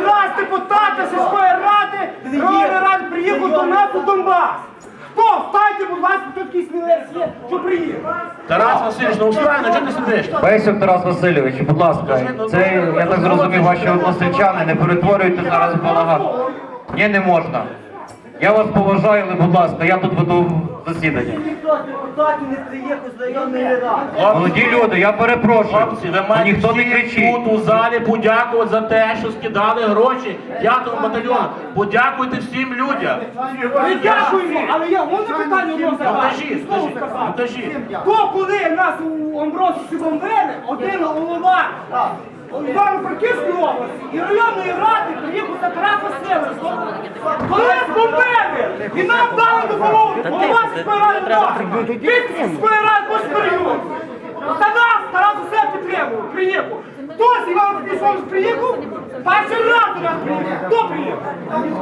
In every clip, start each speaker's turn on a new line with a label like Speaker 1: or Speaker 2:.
Speaker 1: раз депутата сільської ради, районної ради приїхав до нас у Донбас. Хто? Встаньте, будь ласка, хто такий смілець є, що приїхав?
Speaker 2: Тарас Васильович, ну устраивай, чого ти сидиш?
Speaker 3: Бесюк Тарас Васильович, будь ласка, це, я так зрозумів, ваші односельчани, не перетворюйте зараз в балаган. Ні, не можна. Я вас поважаю, але, будь ласка, я тут веду засідання.
Speaker 1: Ніхто з депутатів не приїхав з районної ради.
Speaker 3: Молоді люди, я перепрошую,
Speaker 2: Хлопці, ви маєте
Speaker 3: ніхто не
Speaker 2: всі
Speaker 3: кричить.
Speaker 2: тут у залі подякувати за те, що скидали гроші 5-му батальйону. Подякуйте всім людям.
Speaker 1: Ми дякуємо, але я можу питання одного
Speaker 2: Покажіть,
Speaker 1: Слово
Speaker 2: покажіть,
Speaker 1: сказати.
Speaker 2: покажіть.
Speaker 1: То, коли нас у Амбросі бомбили, один голова Івано-Франківської області і районної ради приїхав за Тарас Васильович. Коли нас бомбили, і нам дали допомогу, голова сільської ради дав. Від сільської ради Бошперйон. За нас Тарас Васильович підтримував, приїхав. Хтось Івано-Франківської області приїхав, перший раз до нас приїхав. Хто приїхав?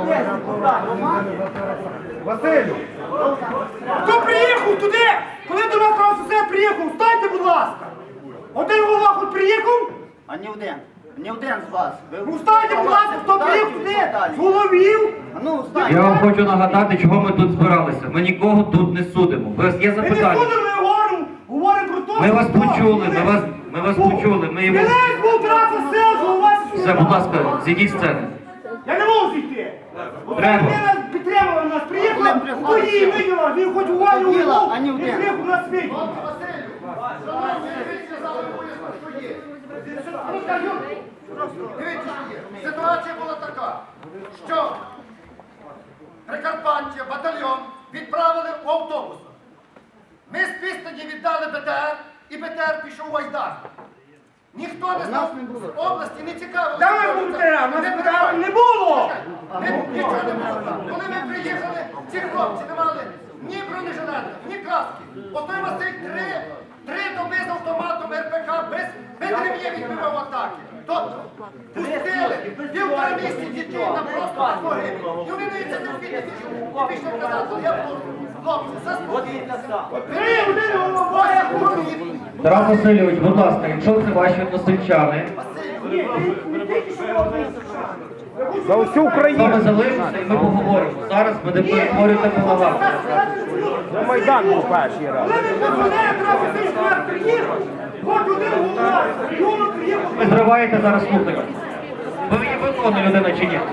Speaker 4: Василю,
Speaker 1: Хто приїхав туди, коли до нас Тарас Васильович приїхав, встаньте, будь ласка. Один голова хоч приїхав,
Speaker 5: А не один. Не один з вас.
Speaker 1: ну встаньте, будь ласка, хто приїхав туди, з головів.
Speaker 5: А ну, встань.
Speaker 3: Я вам хочу нагадати, чого ми тут збиралися. Ми нікого тут не судимо. У вас є
Speaker 1: Ми не
Speaker 3: запитання?
Speaker 1: будемо говоримо про те,
Speaker 3: Ми
Speaker 1: що
Speaker 3: вас
Speaker 1: хто.
Speaker 3: почули, ми вас почули. Ми його...
Speaker 1: Смілець був Тарас Васильович, голова сільської
Speaker 3: Все, будь
Speaker 1: ради.
Speaker 3: ласка, зійдіть з сцени.
Speaker 1: Я не можу зійти.
Speaker 3: Треба.
Speaker 1: Вони нас підтримали, нас приїхали,
Speaker 5: Він приходить.
Speaker 1: тоді виділа, він хоч увагу
Speaker 5: Діла,
Speaker 1: увагу,
Speaker 5: а не
Speaker 1: він
Speaker 5: один.
Speaker 1: приїхав на світ.
Speaker 4: дивіться, що є. Ситуація була така, що Прикарпаття, батальйон відправили в автобус. Ми з Пістоні віддали БТР, і БТР пішов у Айдар. Ніхто не знав з області, не цікавило.
Speaker 1: Там був БТР, у нас БТР не було.
Speaker 4: Нічого не було там. Коли ми приїхали, ці хлопці не мали ні бронежилетів, ні каски. Отой Василь три доби з автоматом РПК без ремня відбивав атаки. Тобто пустили півтора місяці дітей на просто погибель. І вони не це терпіти і пішли казати, я буду, хлопці, заспокійтеся.
Speaker 1: Три години голова, я говорю.
Speaker 3: Тарас Васильович, будь ласка, якщо це ваші односельчани,
Speaker 4: За всю Україну.
Speaker 3: саме залишиться і ми поговоримо. Зараз ви не перетворюєте балаган.
Speaker 4: Майдан був перший раз.
Speaker 1: Коли ви позвонили, Тарас Васильович до нас приїхав, хоч один голова, району приїхав.
Speaker 3: Ви зриваєте зараз слухання. Ви є виконана людина чи ні?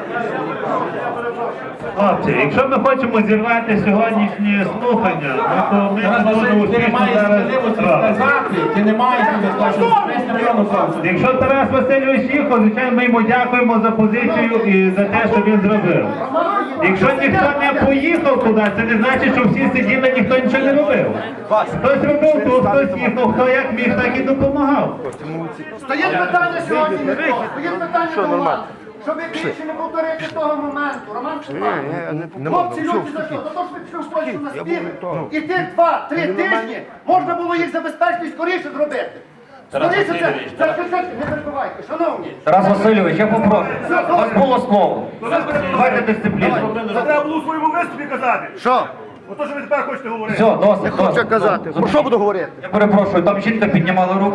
Speaker 6: Хлопці, якщо ми хочемо зірвати сьогоднішні слухання, то ми
Speaker 2: Тарас
Speaker 6: не будемо
Speaker 2: Васильович, ти не
Speaker 6: успішно
Speaker 2: маєш
Speaker 6: зараз
Speaker 2: сміливості
Speaker 6: справити.
Speaker 2: сказати, ти не маєш сміливості сказати, що району хлопці.
Speaker 6: Якщо Тарас Васильович їхав, звичайно, ми йому дякуємо за позицію і за те, що він зробив. Якщо ніхто не поїхав туди, це не значить, що всі сиділи, ніхто нічого не робив. Хтось робив тут, хтось їхав, хто як міг, так і допомагав.
Speaker 4: Стоїть питання сьогодні не то. Стоїть питання до вас. Щоб більше не повторити того моменту. Роман Степанович, хлопці, люди за що? За те, що ви пішли в Польщу на спів. І тих 2-3 тижні можна було їх забезпечити скоріше зробити. Скоріше це, не перебивайте, шановні.
Speaker 3: Тарас Васильович, я попрошу. У вас було слово. Давайте дисципліну.
Speaker 7: Це треба було у своєму виступі казати.
Speaker 4: Що?
Speaker 7: Ото, що ви тепер хочете говорити.
Speaker 3: Все, досить,
Speaker 4: Хочу
Speaker 3: досить.
Speaker 4: казати. Про що буду говорити?
Speaker 3: Я перепрошую, там жінка піднімала руку.